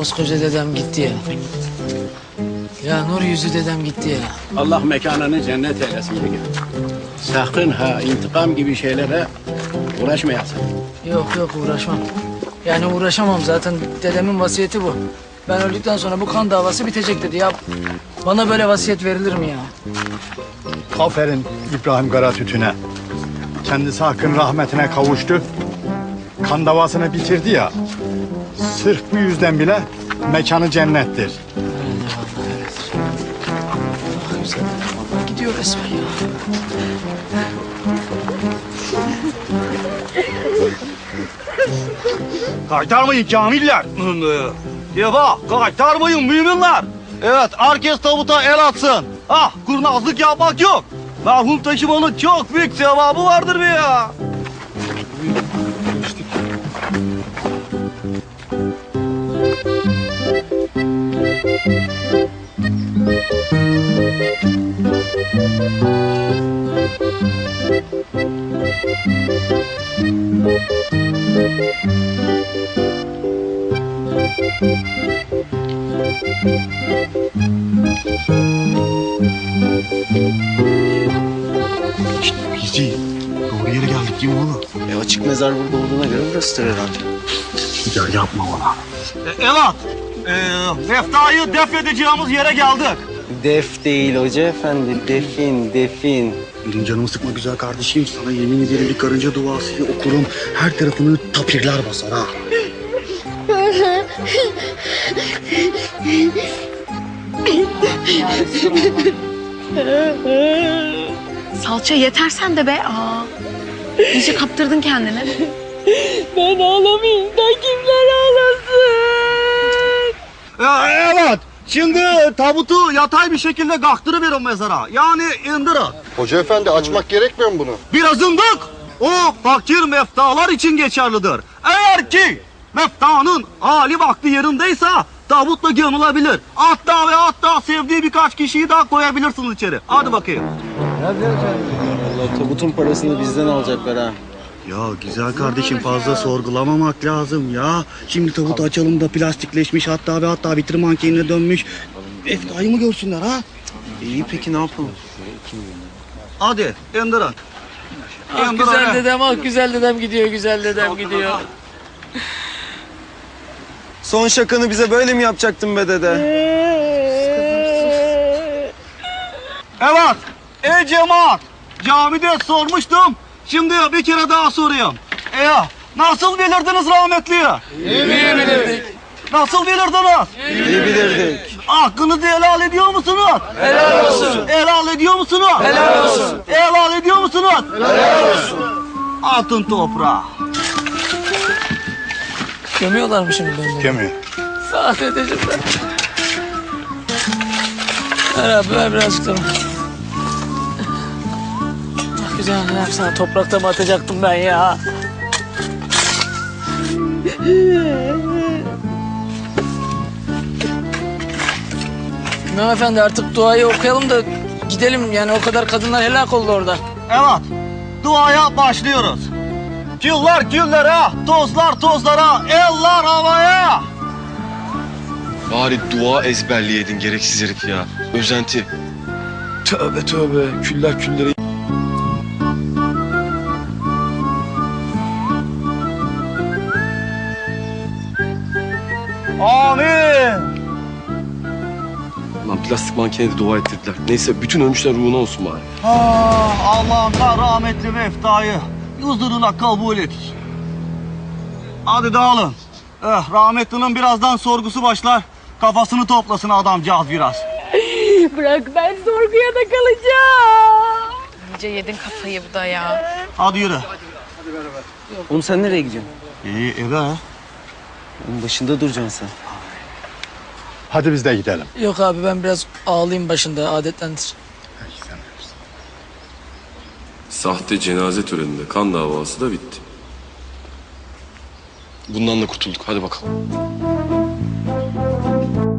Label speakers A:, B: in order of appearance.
A: Koskoca dedem gitti ya. Ya nur yüzü dedem gitti ya.
B: Allah mekanını cennet eylesin yenge. Sakın ha intikam gibi şeylere uğraşmayasın.
A: Yok uğraşmam. Yani uğraşamam zaten dedemin vasiyeti bu. Ben öldükten sonra bu kan davası bitecek dedi ya. Bana böyle vasiyet verilir mi ya?
C: Aferin İbrahim Karatütü'ne. Kendisi hakkın rahmetine kavuştu. Kan davasını bitirdi ya. Sırf bu yüzden bile mekanı cennettir.
A: Ah güzel dedem Allah gidiyor resmen ya.
D: Kaytarmayın kamiller. Deva kaytarmayın müminler. Evet herkes tabuta el atsın. Kurnazlık yapmak yok. Merhum taşımanın çok büyük sevabı vardır be ya.
C: Bizi doğru yere geldik değil mi oğlum?
E: Açık mezar burada olduğuna göre burasıdır herhalde.
C: Ya yapma bana.
D: Evet. Meftayı defnedeceğimiz yere geldik.
E: Def değil hoca efendi, defin.
C: Benim canımı sıkma güzel kardeşim. Sana yemin ederim bir karınca duasıyla okurum. Her tarafını tapirler basar ha.
F: Salça yeter sen de be. İyice kaptırdın kendini.
G: Ben ağlamayayım da kimler ağlasın?
D: Evet. Şimdi tabutu yatay bir şekilde kalktırıverin mezara. Yani indirin.
C: Hoca efendi açmak gerekmiyor mu bunu?
D: Biraz indik. O fakir meftalar için geçerlidir. Eğer ki meftanın hali vakti yerindeyse tabutla gömülebilir. Hatta sevdiği birkaç kişiyi daha koyabilirsiniz içeri. Hadi bakayım.
E: Allah tabutun parasını bizden alacaklar ha.
C: Ya güzel kardeşim fazla sorgulamamak lazım ya. Şimdi tabutu açalım da plastikleşmiş hatta bitir mankenine dönmüş. Eftayı mı görsünler ha?
E: İyi peki ne yapalım?
D: Hadi indirin.
A: Güzel dedem güzel dedem gidiyor güzel dedem gidiyor.
E: Son şakanı bize böyle mi yapacaktın be dede?
D: Evet. Ey cemaat. Camide sormuştum. Şimdi bir kere daha sorayım. Nasıl bilirdiniz rahmetliyi?
A: İyi bilirdik.
D: Nasıl bilirdiniz?
E: İyi bilirdik.
D: Hakkınızı helal ediyor musunuz?
A: Helal olsun.
D: Helal ediyor musunuz?
A: Helal olsun.
D: Helal ediyor musunuz?
A: Helal olsun.
D: Atın toprağa.
A: Gömüyorlar mı şimdi beni?
C: Gömüyor.
A: Sağ ol dedeciğim ben. Ver abi ver birazcık da. Güzel ne yapsana toprakta mı atacaktım ben ya? İmam efendi artık duayı okuyalım da gidelim yani o kadar kadınlar helak oldu orada.
D: Evet. Duaya başlıyoruz. Küller küllere, tozlar tozlara, eller havaya.
H: Bari dua ezberleyeydin gereksiz herif ya. Özenti. Tövbe tövbe. Küller küllere.
D: Amin.
H: Lan plastik mankene de dua ettirdiler. Neyse bütün ölmüşler ruhuna olsun bari.
D: Allah'ım da rahmetli meftayı huzuruna kabul et. Hadi dağılın. Rahmetlinin birazdan sorgusu başlar. Kafasını toplasın adamcağız biraz.
G: Bırak ben sorguya da kalacağım.
F: İyice yedin kafayı bu da ya.
D: Hadi yürü.
E: Oğlum sen nereye gidiyorsun?
D: Eve.
E: Oğlum başında duracaksın sen.
C: Hadi biz de gidelim.
A: Yok abi ben biraz ağlayayım başında adetlendir.
I: Sahte cenaze töreninde kan davası da bitti.
H: Bundan da kurtulduk. Hadi bakalım.